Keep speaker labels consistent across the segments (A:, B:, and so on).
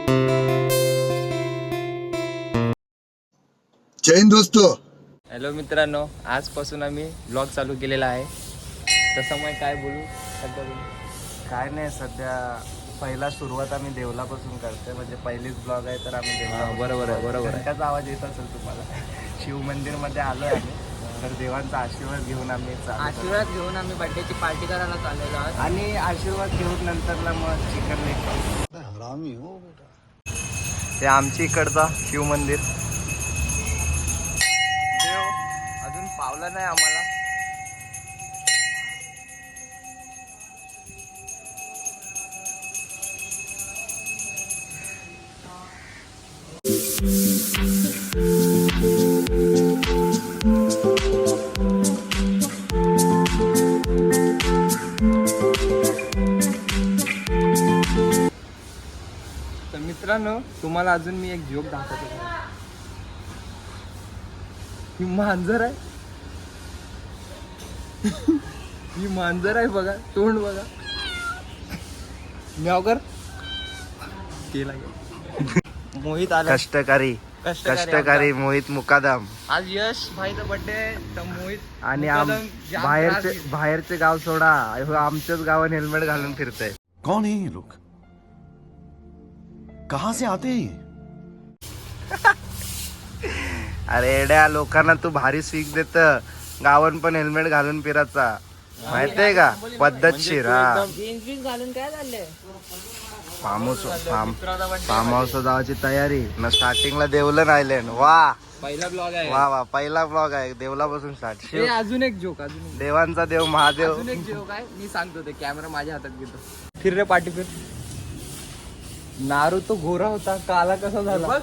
A: जय हिंद दोस्तों.
B: हॅलो मित्रांनो, आजपासून आम्ही ब्लॉग चालू केलेला आहे. तसं मग काय बोलू सध्या
C: काय नाही, सध्या पहिला सुरुवात आम्ही देवलापासून करतोय. म्हणजे पहिलीच ब्लॉग आहे तर आम्ही देवला.
B: बरोबर आहे.
C: त्याचा आवाज येत असेल तुम्हाला. शिव मंदिरमध्ये आलोय आम्ही, तर देवांचा आशीर्वाद घेऊन आम्ही
B: बर्थडेची पार्टी करायला चाललेलो आहोत.
C: आणि आशीर्वाद घेऊन नंतरला मग चिकन लेग.
A: हरामी हो बेटा.
C: हे आमच्या इकडचा शिव मंदिर. देव अजून पावलं नाही आम्हाला.
B: तर मित्रांनो, तुम्हाला अजून मी एक जोक दाखवतो. ही मांजर आहे. ही मांजर आहे बघा, तोंड बघा. म्यावकर केला मोहित आला.
C: कष्टकारी मोहित मुकादम.
B: आज यश भाईचा बर्थडे, तर मोहित
C: आणि
B: मुकादम जाम
C: बाहेरचे गाव सोडा, आमच्याच गावात हेल्मेट घालून फिरतय.
A: कौन है ये लोग? कहाँ से आते हैं ये?
C: अरे एड्या, लोकांना तू भारी सीख देत. गावन पण हेल्मेट घालून फिरायचा, माहितीये का? पद्धतशीर. हा,
B: जीन्स बीन्स घालून काय चाललंय?
C: फार्म हाऊस जायची तयारी ना. स्टार्टिंगला देवलन आयलंड. वा
B: पहिला ब्लॉग आहे.
C: वा पहिला ब्लॉग आहे देवलापासून स्टार्ट.
B: हे अजून एक जोक,
C: देवांचा देव महादेव.
B: अजून एक जोक आहे. मी सांगतो, ते कॅमेरा माझ्या हातात घेतो. फिर रे पाठी फिर. नारू तो गोरा होता, काला कसा झाला?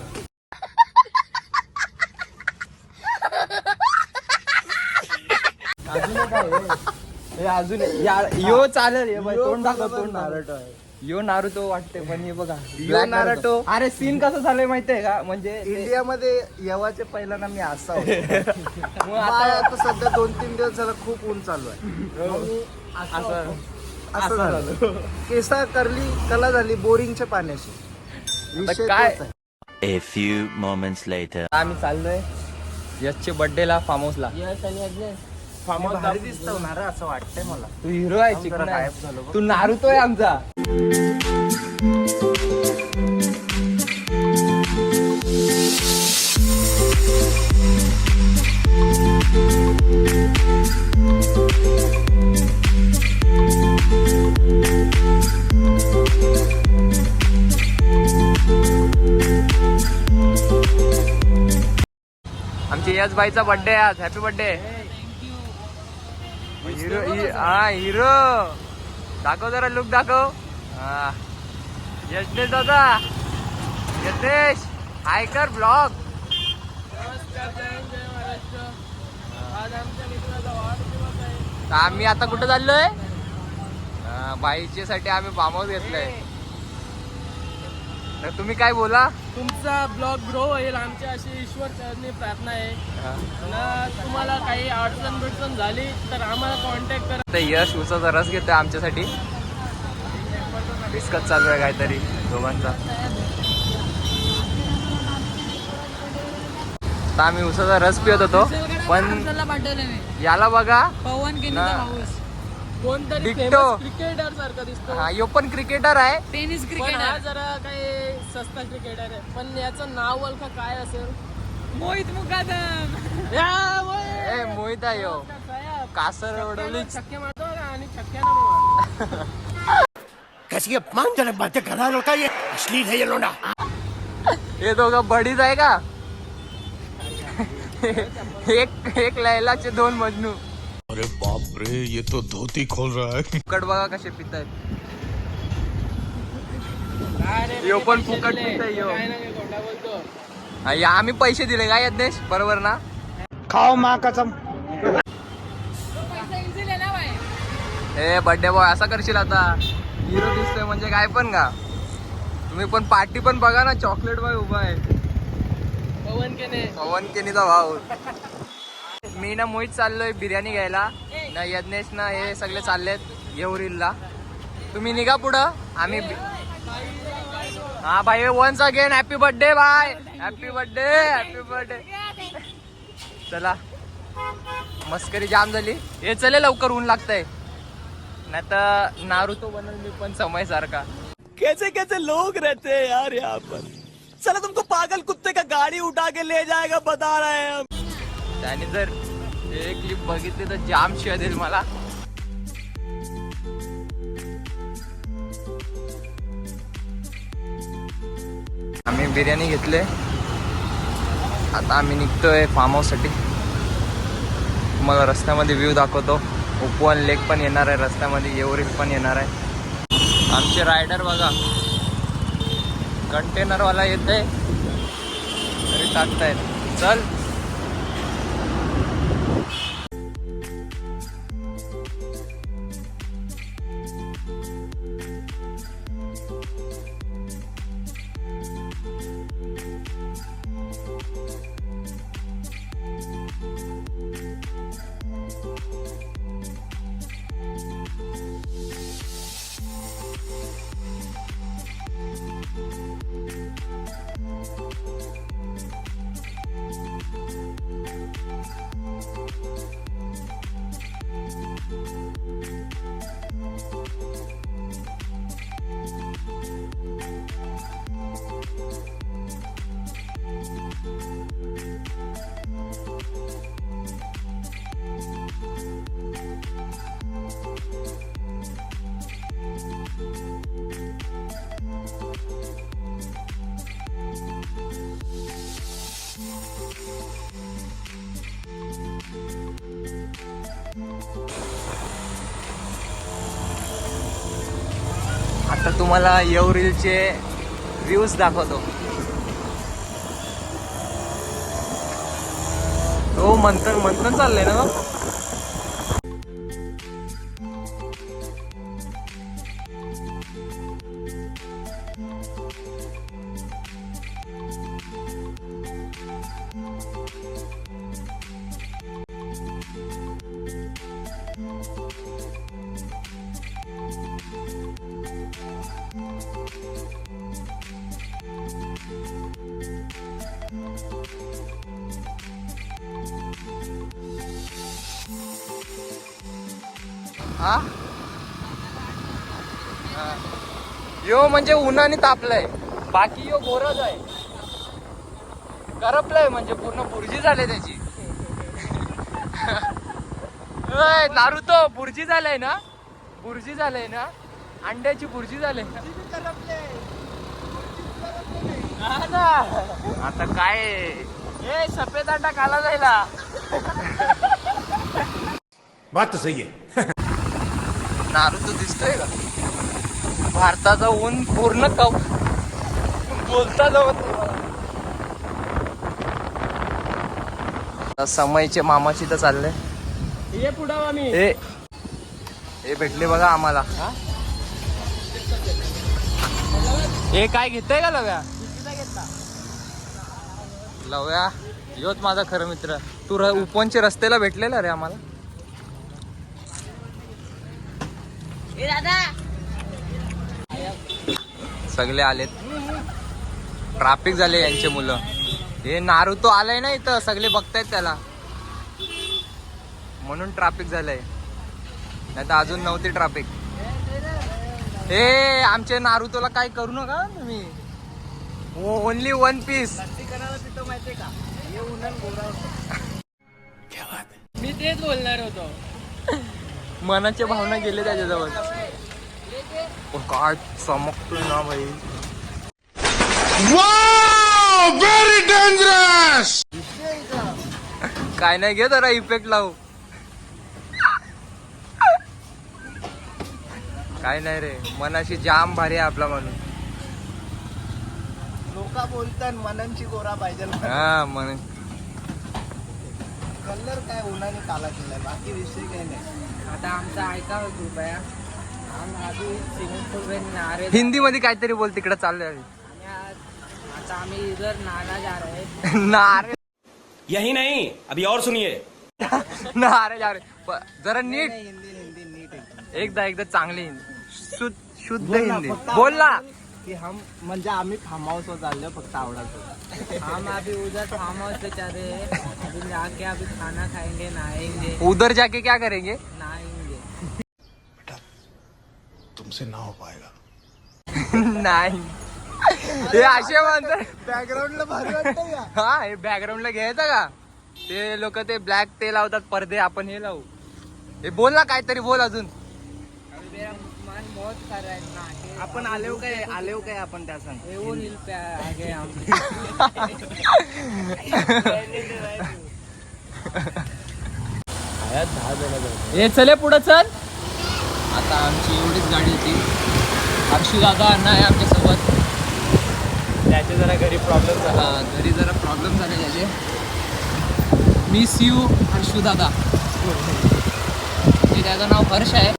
B: अजून एक आहे. हे अजून यो चालेल. हे बाई, तोंड दाखव, तोंड नारुतो आहे. यो नारुतो वाटते, पण हे बघा
C: यो नारुतो.
B: अरे सीन कसं झालंय माहितीये का? म्हणजे
C: इंडियामध्ये येवाचे पहिल्यांदा मी असा होतो.
B: मग आता
C: सध्या 2-3 दिवस झाला खूप ऊन चालू आहे. असं झालं. केसा कला झाली बोरिंगच्या पाण्याची. विषय
B: काय?
C: तोच आहे.
D: A few moments later.
B: आम्ही चाललोय यशचे बर्थडेला, फार्म हाऊसला.
C: मी भारी दिसतो ना रे, असं वाटतंय मला.
B: तू हिरो आहे,
C: जरा
B: चिकन
C: गायब
B: आहे.
C: झालो बघ.
B: तू नारुतो आहे आमचा. आमच्या यश भाईचा बर्थडे आज. Happy birthday. हिरो. हा हिरो. दाखव जरा, लुक दाखव. हा यशनेश दादा. यशनेश हाय कर ब्लॉग. आम्ही आता कुठं चाललोय? बाईच्या साठी आम्ही फार्म हाऊस घेतलंय. तर तुम्ही काय बोला?
E: तुमचा ब्लॉग ग्रो होईल, आमची अशी ईश्वर चरणी प्रार्थना आहे. ना तुम्हाला काही अडचण झाली तर आम्हाला कॉन्टॅक्ट करा.
B: तर यश उसाचा रस घेतोय आमच्यासाठी. डिस्कस चालू आहे काहीतरी दोघांचा. तर आम्ही उसाचा रस पित होतो, पण याला बघा
E: पवन
B: ना.
E: कोणतरी
B: डिक्टो.
E: क्रिकेटर सारखा दिसतो.
B: हा, यो पण क्रिकेटर आहे.
E: Tennis cricketer. हा जरा काही सस्ता क्रिकेटर आहे, पण याचं नाव ओळखा काय असेल? मोहित मुकादम.
B: ए मोहित आहे यो. कासर उडवली.
E: छक्के मारतो आणि छक्क्यानं
A: कैसी अपमानजनक बातें कर रहा है लड़का, ये अश्लील है ये लोंडा.
B: हे दोघं बडीच आहे का? एक लैलाचे 2 मजनू.
A: अरे बाप रे, ये तो धोती खोल रहा है.
B: फुकट बघा कसे पितायत. यो पण फुकट पिताय यो. हा, या आम्ही पैसे दिले का यज्ञेश? बरोबर ना?
A: खाओ माँ कसम.
B: ए बर्थडे बॉय, असा करशील आता? हिरो दिसतोय म्हणजे काय पण का? तुम्ही पण पार्टी पण बघा ना, चॉकलेट बॉय उभा आहे. पवन केनीचा भाऊ. मी ना मोहित चाललोय बिर्याणी घ्यायला. ना यज्ञेश ना हे सगळे चाललेत येऊरीला. तुम्ही निघा पुढं, आम्ही हा भाई once again happy birthday bye. Happy birthday. चला मस्करी जाम झाली. हे चले लवकर ऊन लागतंय नाही तर नारुतो बनल मी पण समय सारखा.
F: कैसे कैसे लोग रहते हैं यार यहाँ पर. चला तुमको पागल कुत्ते का गाड़ी उठा के ले जाएगा बता रहे हैं हम.
B: त्याने जर एक क्लिप बघितली तर जाम शिवाय देईल मला. आम्ही बिर्याणी घेतले. आता आम्ही निघतोय फार्म हाऊस साठी. तुम्हाला रस्त्यामध्ये व्ह्यू दाखवतो. उपवन लेक पण येणार आहे रस्त्यामध्ये. एव्हरेस्ट पण येणार आहे. आमचे रायडर बघा कंटेनरवाला येते तरी टाकतायत. चल आता तुम्हाला एव्हरीलचे व्ह्यूज दाखवतो. तो मंथन चाललंय ना. हा यो म्हणजे उन्हाने तापलाय. बाकी यो गोरज आहे. करपलाय म्हणजे पूर्ण बुर्जी झाले त्याची. नारुतो बुर्जी झालंय ना. बुर्जी झालंय ना. अंड्याची बुर्जी झाले. आता काय सफेद अंडा खाला जायला.
A: बात तो सही है.
B: नारुतो दिसतोय का. भारताचा ऊन पूर्ण बोलता जवळ. समयचे मामाची तर चाललंय.
E: ये पुढं आम्ही
B: हे भेटले बघा आम्हाला. हे काय घेतय का लव्या. लव्या योच माझा खरं मित्र. तू उपवनचे रस्त्याला भेटलेला रे आम्हाला. सगळे आलेत. ट्रॅफिक झाले यांचे मुलं. हे नारुतो आलाय ना इथं. सगळे बघतायत त्याला म्हणून ट्रॅफिक झालंय. नाही तर अजून नव्हती ट्रॅफिक. हे आमच्या नारुतोला काय करू नका तुम्ही. Only one piece.
E: मी तेच बोलणार होतो.
B: मनाच्या भावना गेले त्याच्याजवळ. काय चमकतोय ना भाई.
A: Very dangerous.
B: काय नाही घे जरा इफेक्ट लावू. काय नाही रे. मनाशी जाम भारी आहे आपला म्हणून.
C: लोक बोलतात मननची गोरा पाहिजे.
B: हा मन
C: कलर काय उन्हाने काला केलाय. बाकी विषय काही नाही.
E: आता आमचा ऐका कृपया.
B: हिंदी मध्ये काहीतरी बोल. तिकडे चाललंय.
E: आता आम्ही इधर नाला जा रहे.
B: नारे
F: यही नहीं अभी और सुनिए.
B: नारे जा रे. जरा नीट.
C: हिंदी नीट एकदम.
B: एकदा चांगली हिंदी. शुद्ध हिंदी बोल ना.
C: की हम म्हणजे आम्ही फार्म हाऊसवर चाललो फक्त आवडायचं.
G: हम अभी उधर फार्म हाउस पे चल रहे हैं, अभी जाके अभी खाना खाएंगे, नहाएंगे
B: उधर जाके क्या करेंगे?
G: नहाएंगे.
B: नाही हे असे म्हणतात.
C: बॅकग्राऊंडला भारी वाटतं का?
B: हा हे बॅकग्राऊंडला घ्यायचं का? ते लोक ते ब्लॅक ते लावतात पडदे, आपण हे लावू. हे बोल ना काहीतरी बोल अजून.
G: अभी मेरा मन बहुत कर रहा है ना.
C: आपण आलेव काय आपण त्या सांग.
G: एवढं हिल पे आ गए हम.
E: हे चले पुढं चल.
B: आता आमची एवढीच गाडी होती. हर्षू दादा अण्णा आहे आमच्यासोबत.
E: त्याचे जरा घरी प्रॉब्लेम झाला.
B: घरी जरा प्रॉब्लेम झाले त्याचे. मिस यू हर्षू दादा. ते त्याचं नाव हर्ष आहे.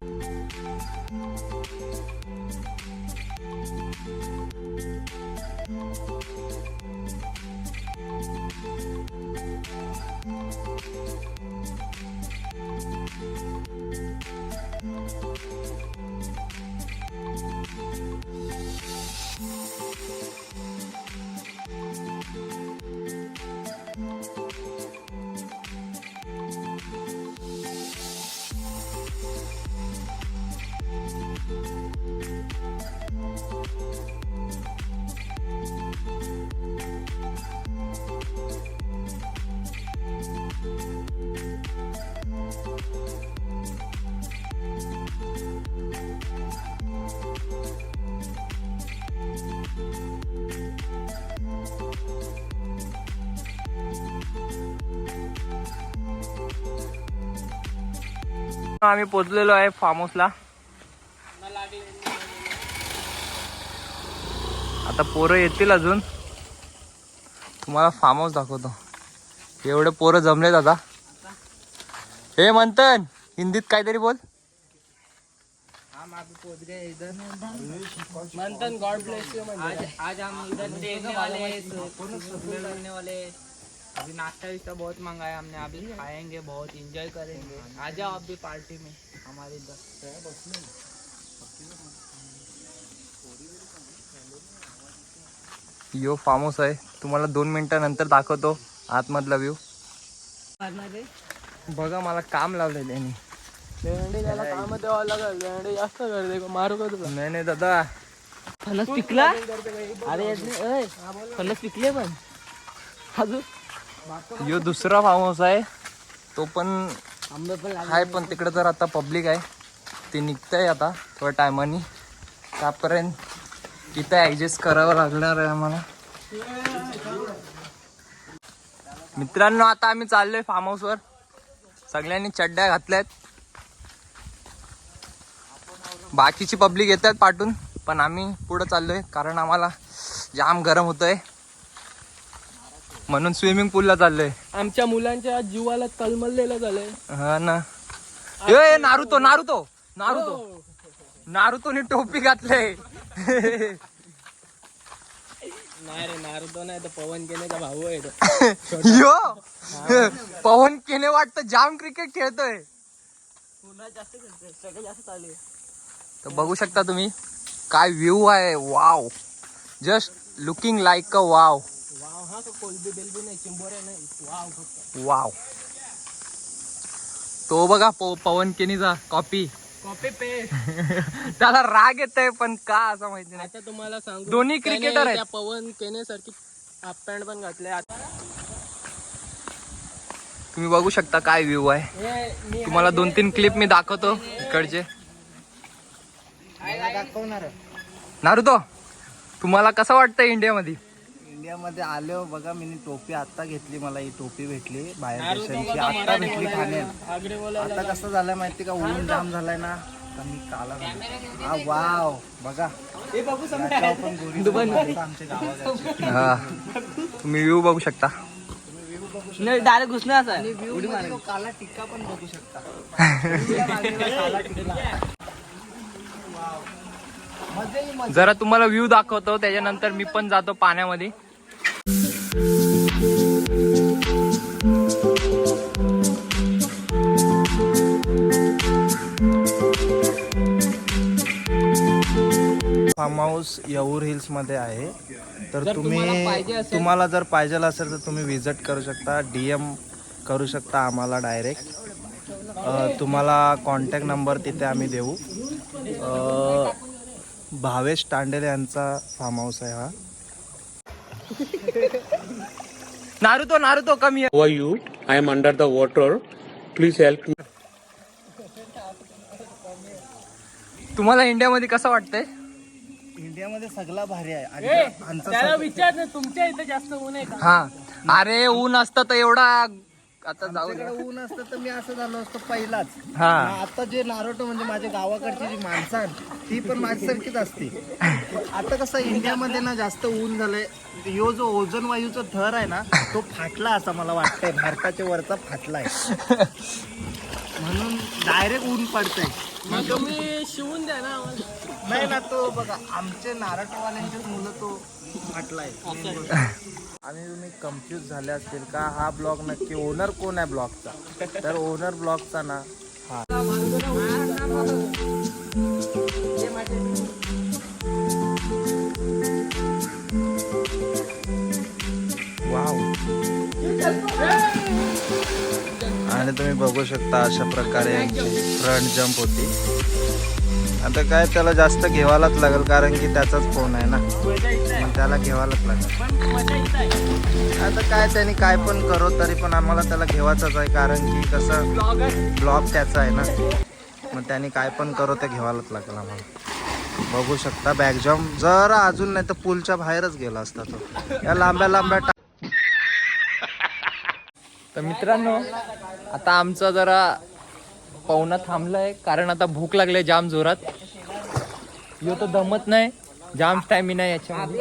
B: आम्ही पोचलेलो आहे फार्म हाऊसला. आता पोरं येतील अजून. तुम्हाला फार्म हाऊस दाखवतो. एवढे पोरं जमलेत आता. हे मंथन हिंदीत काहीतरी बोल.
G: हम अभी पहुंच गए इधर.
E: Manthan God bless you.
G: आज हम इधर देखने वाले हैं, करने वाले हैं. अभी नाश्ता विस्ता बहुत मंगाया हमने, अभी खाएंगे, बहुत एंजॉय करेंगे. आ जाओ आप भी पार्टी में हमारे इधर.
B: यो फार्म हाऊस आहे. तुम्हाला 2 मिनिटानंतर दाखवतो आतमधला व्ह्यू. बघा मला काम लावलंय त्यांनी.
E: भेंडी त्याला काम द्यावं लागेल. भेंडी जास्त करते मारू का तुला?
B: नाही नाही दादा.
G: फणस पिकला. अरे फणस पिकले पण अजून.
B: यो दुसरा फार्म हाऊस आहे. तो पण
G: आंबे पण लागले.
B: आहे पण तिकडे तर आता पब्लिक आहे. ते निघतंय आता थोड्या टायमानी. त्यापर्यंत इथं ॲडजस्ट करावं लागणार आहे आम्हाला. मित्रांनो आता आम्ही चाललोय फार्म हाऊसवर. सगळ्यांनी चड्ड्या घातल्यात. बाकीची पब्लिक येतात पाठून, पण आम्ही पुढे चाललोय कारण आम्हाला जाम गरम होतंय. म्हणून स्विमिंग पूलला चाललोय.
E: आमच्या मुलांच्या जीवाला तळमळलेलं झालंय.
B: हा ना. ए नारुतो नारुतो नारुतो नारुतोने टोपी घातलंय.
E: नाही रे नारुतो नाही तर पवन केनेचा भाऊ आहे तो.
B: यो पवन केने वाटतं जाम क्रिकेट खेळतोय. तर बघू शकता तुम्ही काय व्ह्यू आहे. Wow, just looking like a wow.
E: Wow हा कोलबी बेलबी नाही, चिंबोऱ्या नाही. वाव फक्त
B: वाव. तो बघा पवन केनीचा कॉपी.
E: Copy paste.
B: त्याला राग येतोय पण का असं माहिती नाही.
E: आता तुम्हाला सांगू,
B: दोन्ही
E: त्याने
B: क्रिकेटर आहेत.
E: त्या पवन केने सारखी हाफ पॅन्ट पण घातले.
B: तुम्ही बघू शकता काय व्ह्यू आहे. तुम्हाला 2-3 क्लिप मी दाखवतो इकडचे.
C: दाखवणार.
B: नारुतो तुम्हाला कसं वाटतं इंडियामध्ये?
C: इंडियामध्ये आलो बघा. मी टोपी आता घेतली. मला ही टोपी भेटली बाहेर देशांची. आता भेटली ठाण्यात. आता कसं झालंय माहिती का, ऊन जाम झालाय ना. तर मी काला हा वाव बघा. याच्यावर पण गोरी आमच्या गावाकडची.
B: हा तुम्ही व्ह्यू बघू शकता.
G: डायरेक्ट घुसणार असा.
C: आणि व्ह्यू मध्ये तो काला टिक्का पण बघू शकता. काला टिक्का.
B: जरा तुम्हाला व्ह्यू दाखवतो, त्याच्यानंतर मी पण जातो पाण्यामध्ये.
C: फार्म हाऊस येऊर हिल्स मध्ये आहे. तर
G: जर तुम्हाला पाहिजे
C: तुम्ही
G: असेल-
C: तुम्हाला जर पाहिजे असेल तर तुम्ही विजिट करू शकता. DM करू शकता आम्हाला डायरेक्ट. तुम्हाला कॉन्टॅक्ट नंबर तिथे आम्ही देऊ. भावेश तांडेल यांचा फार्म हाऊस आहे हा.
B: नारुतो कमी
H: How are you? I am under the water. Please help me.
B: तुम्हाला इंडियामध्ये कसं वाटतंय?
C: इंडियामध्ये सगळा भारी आहे आणि
E: ए,
C: आमचं
E: त्याला विचार ना, तुमच्या इथे जास्त ऊन आहे का?
B: हा अरे ऊन असतं तर एवढा आता जाऊ दे.
C: आमच्याकडे ऊन असतं तर मी असं झालो असतो पहिलाच.
B: हा
C: आता जे नारोटो म्हणजे माझ्या गावाकडची जी माणसं आहेत, ती पण माझ्यासारखीच असते. आता कसं इंडियामध्ये ना जास्त ऊन झालंय. यो जो ओझोन वायूचा थर आहे ना तो फाटला असं मला वाटतंय. भारताच्या वरचा फाटलाय म्हणून डायरेक्ट ऊन पडतंय.
E: मग तुम्ही शिवून द्या ना आम्हाला.
C: नाही ना, तो बघा आमचे नारटवाल्यांचेच मुलं तो फाटलाय. आणि तुम्ही कन्फ्यूज झाले असतील का हा ब्लॉग नक्की ओनर कोण आहे ब्लॉगचा? तर ओनर ब्लॉगचा ना हा. वाव. आणि तुम्ही बघू शकता अशा प्रकारे यांची फ्रंट जंप होती. आता काय त्याला जास्त घ्यावालाच लागेल कारण की त्याचाच फोन आहे ना,
E: मजा इथं आहे.
C: मग त्याला घ्यावालाच लागेल.
E: पण मजा इथं आहे.
C: आता काय त्यांनी काय पण करो तरी पण आम्हाला त्याला घेवायचंच आहे कारण की कसं ब्लॉग त्याचा आहे ना, मग त्यांनी काय पण करो ते घ्यावालाच लागेल आम्हाला. बघू शकता बॅक जम्प जरा अजून नाही तर पूलच्या बाहेरच गेला असता तो. या लांब्या लांब्या
B: तर मित्रांनो आता आमचा जरा पवना थांबलाय कारण आता भूक लागली जाम जोरात. यो तो दमत नाही, जाम स्टॅमिना याच्यामध्ये.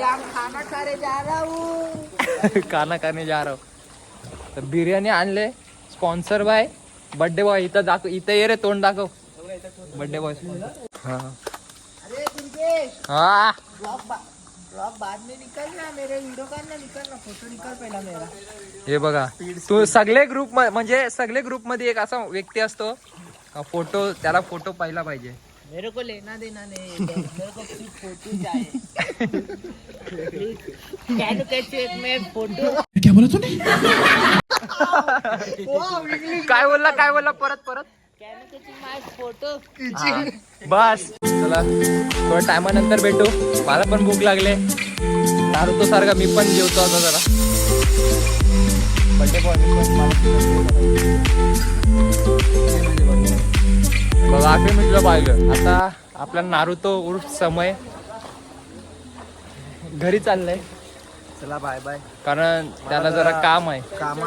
B: खाना खाने जा रहा हूं. तर बिर्याणी आणले स्पॉन्सर बाय बर्थडे बॉय. इथं दाखव, इथं ये रे, तोंड दाखव बर्थडे बॉय. हा हा हे बघा, तू सगळे ग्रुप म्हणजे सगळे ग्रुप मध्ये एक असा व्यक्ती असतो फोटो, त्याला फोटो पाहिला पाहिजे.
G: मेरे को लेना देना नहीं, मेरे को सिर्फ फोटो चाहिए. कैन कैसे में फोटो.
B: काय बोलला परत
G: कैन कैसे माय फोटो.
B: बस. चला थोड्या टायमानंतर भेटू. मला पण भूक लागले. नारुतो सारखा मी पण जेवतो आता जरा. बर्थडे बॉय बघा आखरी मी तुला पाहिलं. आता आपला नारुतो उर्फ समय घरी चाललंय
C: चला बाय बाय.
B: कारण त्याला जरा काम आहे.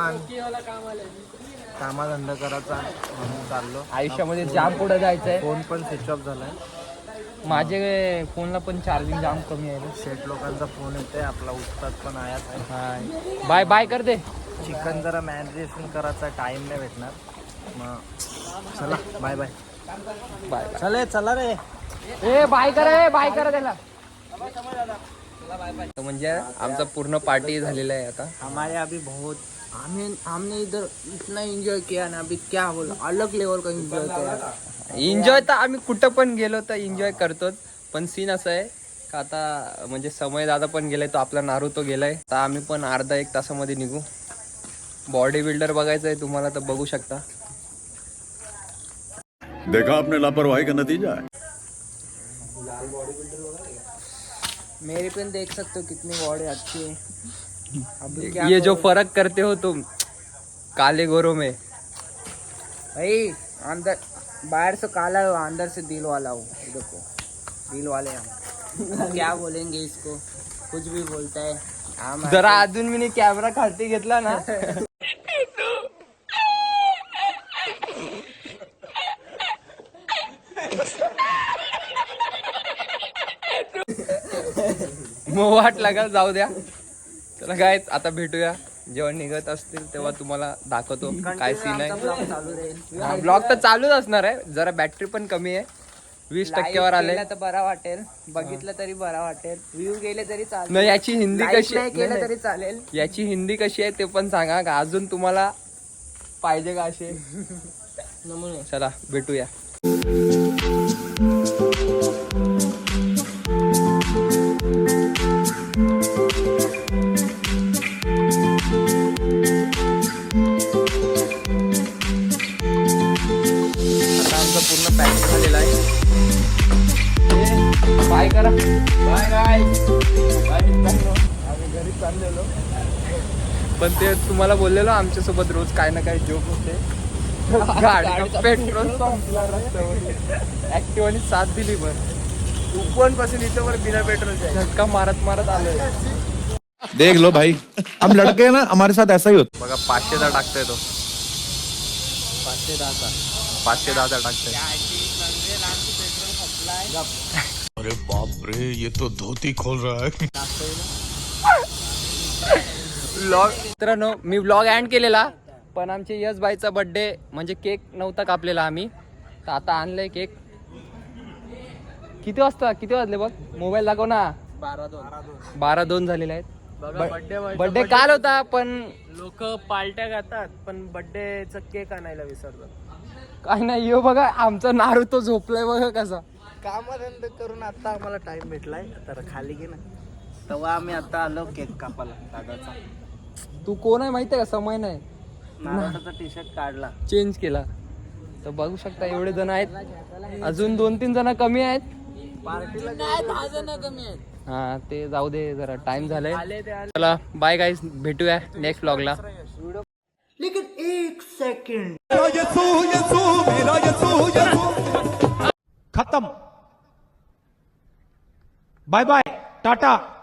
C: कामाधंदा करायचा म्हणून चाललो.
B: आयुष्यामध्ये जाम पुढे जायचंय.
C: फोन पण स्विच ऑफ झालाय.
B: माझे फोनला पण चार्जिंग जाम कमी आहे रे.
C: शेट लोकांचा फोन येतोय. आपला उस्ताद पण आयात आहे.
B: हाय बाय बाय कर दे.
C: चिकन जरा मॅरिनेशन करायचा टाइम नाही भेटणार. मग चला बाय बाय.
B: बाय
C: चला रे.
B: ए बाय करा त्याला. म्हणजे आमचा पूर्ण पार्टी झालेला आहे आता.
G: हमारे अभी बहुत हमने इधर इतना एंजॉय किया ना, अभी क्या बोला, अलग लेवल का एंजॉय किया.
B: एन्जॉय तर आम्ही कुठं पण गेलो तर एन्जॉय करतोच. पण सीन असं आहे का आता म्हणजे समय दादा पण गेलाय, तो आपला नारुतो गेलाय. तर आम्ही पण अर्धा एक तासामध्ये निघू. बॉडी बिल्डर बघायचं आहे तुम्हाला तर बघू शकता.
I: देखा आपने लापरवाही का नतीजा है.
G: मेरे पे देख सकते हो कितनी बॉडी अच्छी है. अभी क्या
B: ये जो फर्क करते हो तुम काले गोरों में.
G: भाई अंदर बाहर से काला हो, अंदर से दिल वाला हो. देखो दिल वाले हम. क्या बोलेंगे इसको, कुछ भी बोलता है. हम
B: जरा अजून मी कॅमेरा खालती घेतला ना मग वाट लागा. जाऊ द्या. चला काय आता भेटूया. जेव्हा निघत असतील तेव्हा तुम्हाला दाखवतो काय सीन आहे.
G: चालू राहील.
B: ब्लॉग तर चालूच असणार आहे. जरा बॅटरी पण कमी आहे. 20% आले.
G: तर बरा वाटेल, बघितलं तरी बरा वाटेल, व्ह्यू गेले तरी चालेल.
B: नाही याची हिंदी कशी
G: नाही केलं
B: नाही,
G: तरी चालेल.
B: याची हिंदी कशी आहे ते पण सांगा का अजून तुम्हाला पाहिजे का असे
G: नमुने.
B: चला भेटूया. करा. Bye bye. आम्ही घरी चाललेलो, पण ते तुम्हाला बोललेलो आमच्यासोबत रोज काय ना काय जोक होते. गाडीचा पेट्रोल संपला रस्त्यावर. ऍक्टिव्हानी साथ दिली पण उपवन पासून इथं वर बिना पेट्रोलच्या झटका मारत मारत आलोय.
I: देख लो भाई, हम लड़के हैं ना, हमारे साथ ऐसा ही होता.
B: बघा 510 टाकतोय तो. 510 टाकतोय.
I: अरे बाप रे, ये तो धोती खोल रहा है.
B: मित्रांनो, मी व्लॉग एंड केलेला, पण आमचे यश बाईचा बर्थडे म्हणजे केक नव्हता कापलेला आम्ही, तर आता आणलंय केक. किती वाजले बघ, मोबाईल दाखव ना. 12:02 झालेले आहेत. बर्थडे काल होता, पण
E: लोक पार्ट्या खातात पण बर्थडेचा केक आणायला विसरतात.
B: काय नाही. यो बघा आमचा नारू तो झोपलाय बघा कसा.
C: कामाधंद करून आता आम्हाला टाइम भेटलाय, तर खाली घे ना. तेव्हा आम्ही आता आलो केक कापायला दादाचा.
B: तू कोण आहे माहितीये का? समय नाही,
C: नारळाचा टी शर्ट काढला.
B: चेंज केला. तर बघू शकता एवढे जण आहेत, अजून 2-3 जण कमी आहेत.
C: पार्टीला
G: 10 जण कमी आहेत.
B: हा ते जाऊ दे, जरा टाइम झालाय. चला बाय गाईज, भेटूया नेक्स्ट व्लॉगला.
C: लेकिन एक सेकंड,
F: खत्म. Bye bye, Tata.